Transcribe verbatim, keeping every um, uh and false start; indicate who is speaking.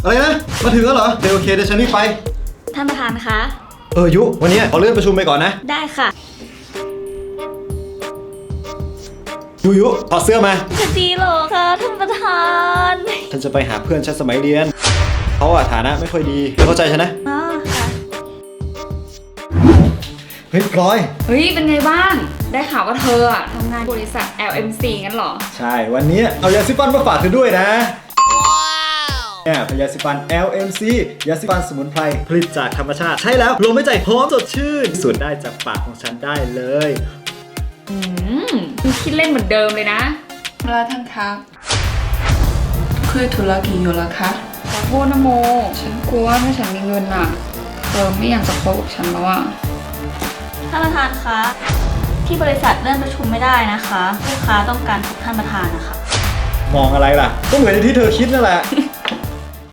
Speaker 1: อะไรนะมาถึงแล้วเหรอเดี๋ยวโอเคเดี๋ยวฉันรีบไป
Speaker 2: ท่านประธานคะ
Speaker 1: เออยุวันนี้ขอเลื่อนประชุมไปก่อนนะ
Speaker 2: ได้ค่ะ
Speaker 1: ยุยุถอดเสื้อมา
Speaker 2: จะดีหรอคะท่านประธาน
Speaker 1: ฉันจะไปหาเพื่อนฉันสมัยเรียนเขาอะฐานะไม่ค่อยดีเธอเข้าใจฉันนะ
Speaker 2: อ๋อค่ะ
Speaker 1: เฮ้ยพลอย
Speaker 3: เฮ้ยเป็นไงบ้างได้ข่าวว่าเธออะทำงานบริษัท แอล เอ็ม ซี งั้นเหรอ
Speaker 1: ใช่วันนี้เอายาสีฟันมาฝากเธอด้วยนะเนี่ยเป็นยาสีฟัน แอล เอ็ม ซี ยาสีฟันสมุนไพรผลิตจากธรรมชาติใช่แล้วลมหายใจหอมสดชื่นสูดได้จากปากของฉันได้เลย
Speaker 3: อืมคิดเล่นเหมือนเดิมเลยนะ
Speaker 4: แล้วท่านคะคุยธุรกิจอยู่แล้วคะ
Speaker 3: ขอโทษนะโมฉันกลัวถ้าฉันมีเงินอะเธอไม่อยากจะคบกับฉันแล้วอะ
Speaker 2: ท่านประธานคะที่บริษัทเลื่อนประชุมไม่ได้นะคะลูกค้าต้องการพบท่านประธานนะคะ
Speaker 1: มองอะไรล่ะก็เหมือนที่เธอคิดนั่นแหละ